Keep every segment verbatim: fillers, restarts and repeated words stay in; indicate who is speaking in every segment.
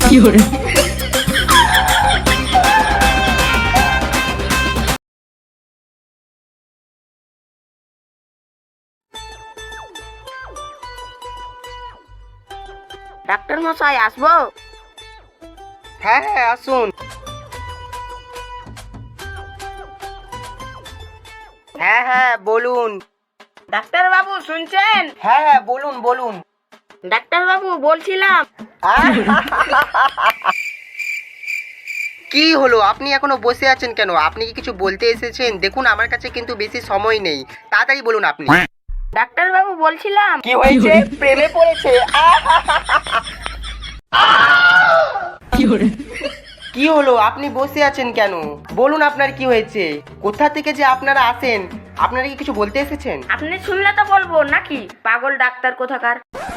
Speaker 1: Doctor মশাই আসবো?
Speaker 2: হ্যাঁ হ্যাঁ আসুন। হ্যাঁ হ্যাঁ বলুন।
Speaker 1: ডাক্তার বাবু শুনছেন?
Speaker 2: হ্যাঁ হ্যাঁ বলুন বলুন।
Speaker 1: ডাক্তার বাবু বলছিলাম,
Speaker 2: কি হলো, আপনি এখনো বসে আছেন কেন? আপনি কি কিছু বলতে এসেছেন? দেখুন আমার কাছে কিন্তু বেশি সময় নেই, তাড়াতাড়ি বলুন আপনি।
Speaker 1: ডাক্তার বাবু বলছিলাম,
Speaker 2: কি হয়েছে? প্রেমে পড়েছে? কি হলো, আপনি বসে আছেন কেন? বলুন আপনার কি হয়েছে? কোথা থেকে যে আপনারা আসেন? আপনারা কি কিছু বলতে এসেছেন?
Speaker 1: আপনি শুনলে তো বলবো নাকি, পাগল ডাক্তার কোথাকার।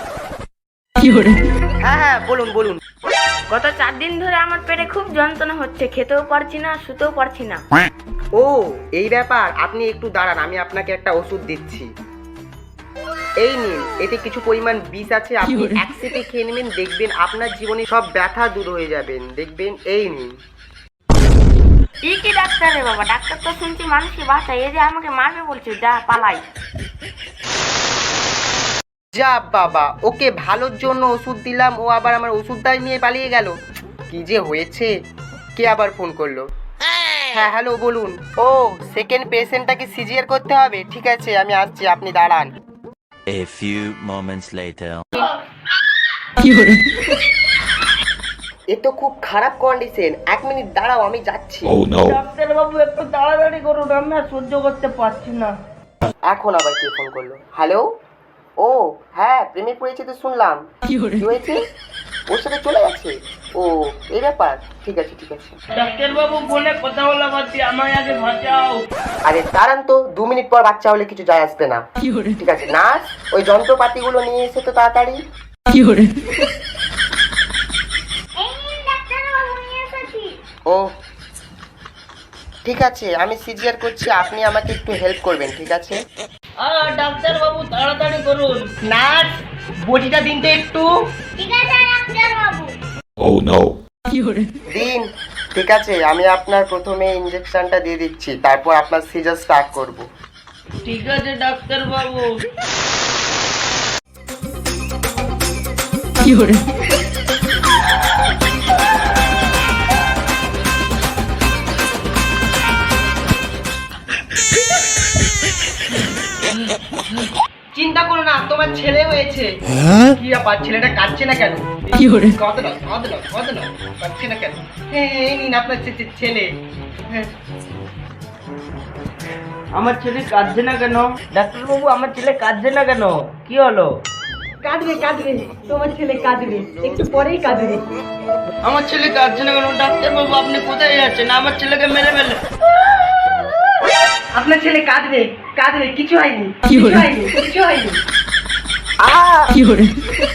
Speaker 2: হ্যাঁ হ্যাঁ বলুন বলুন।
Speaker 1: গত চার দিন ধরে আমার পেটে খুব যন্ত্রণা হচ্ছে, খেতেও পারছি না, শুতেও পারছি না।
Speaker 2: ও এই ব্যাপার, আপনি একটু দাঁড়ান, আমি আপনাকে একটা ওষুধ দিচ্ছি। এই নিন, এতে কিছু পরিমাণ বিষ আছে, আপনি এক সেটে খেয়ে নেবেন, দেখবেন আপনার জীবনে সব ব্যথা দূর হয়ে যাবেন, দেখবেন। এই নিন।
Speaker 1: ই কি ডাক্তার রে বাবা, ডাক্তার তো শুনছি মানুষকে বাঁচায়, এই যে আমাকে মারবে বলছে, যা পালাই।
Speaker 2: যা বাবা, ওকে ভালোর জন্য ওষুধ দিলাম, ও আবার আমার ওষুধটাই নিয়ে পালিয়ে গেল। কি যে হয়েছে। কে আবার ফোন করলো? হ্যাঁ হ্যালো বলুন। ও সেকেন্ড পেশেন্টটাকে সিজিয়ার করতে হবে, ঠিক আছে আমি আসছি, আপনি দাঁড়ান।
Speaker 3: A few moments later.
Speaker 2: এ তো খুব খারাপ কন্ডিশন, এক মিনিট দাঁড়াও আমি যাচ্ছি।
Speaker 1: ডাক্তার বাবু একটু তাড়াতাড়ি করুন, আমি আর সহ্য করতে পারছি না।
Speaker 2: এখন আবার কে ফোন করলো? হ্যালো। ও হ্যাঁ, প্রেমে পড়েছে তো শুনলাম। কি হয়েছে? ওর সাথে চলে গেছে? ও এই ব্যাপার, ঠিক আছে ঠিক আছে।
Speaker 1: ডাক্তার বাবু ফোনে কথা বলা বাদ, আমায় আগে বাঁচাও।
Speaker 2: আরে দাঁড়ান তো, দু মিনিট পর বাচ্চা হলে কিছু যায় আসবে না, ঠিক আছে। নার্স, ওই যন্ত্রপাতিগুলো নিয়ে এসে তো তাড়াতাড়ি। ও ঠিক আছে, আমি সিজিয়ার করছি, আপনি আমাকে একটু হেল্প করবেন, ঠিক আছে?
Speaker 1: ডাক্তার বাবু তাড়াতাড়ি করুন।
Speaker 2: নার্স, বটিটা দিন তো একটু।
Speaker 1: ঠিক আছে ডাক্তার বাবু।
Speaker 3: Oh no.
Speaker 2: দিন, ঠিক আছে। আমি আপনার প্রথমে ইনজেকশনটা দিয়ে দিচ্ছি, তারপর আপনার সিজার স্টার্ট করব।
Speaker 1: ঠিক আছে ডাক্তার বাবু।
Speaker 2: চিন্তা করো না, তোমার ছেলে হয়েছে। কি ব্যাপার, ছেলেটা কাঁদছে না কেন? কাঁদে না কাঁদে না কাঁদে না, কাঁদছে না কেন? হ্যাঁ এই নিন আপনার ছেলে। হ্যাঁ
Speaker 1: আমার ছেলে কাঁদছে না কেন? ডাক্তার বাবু আমার ছেলে কাঁদছে না কেন, কি হলো?
Speaker 4: কাঁদবে কাঁদবে, তোমার ছেলে কাঁদবে, একটু পরেই কাঁদবে।
Speaker 1: আমার ছেলে কাঁদছে না কেন? ডাক্তার বাবু আপনি কোথায় যাচ্ছেন? আমার ছেলেকে মেরে ফেলে।
Speaker 4: আপনার ছেলে কাঁদবে কাঁদবে, কিছু হয়নি কিছু হয়নি কিছু হয়নি।
Speaker 2: আ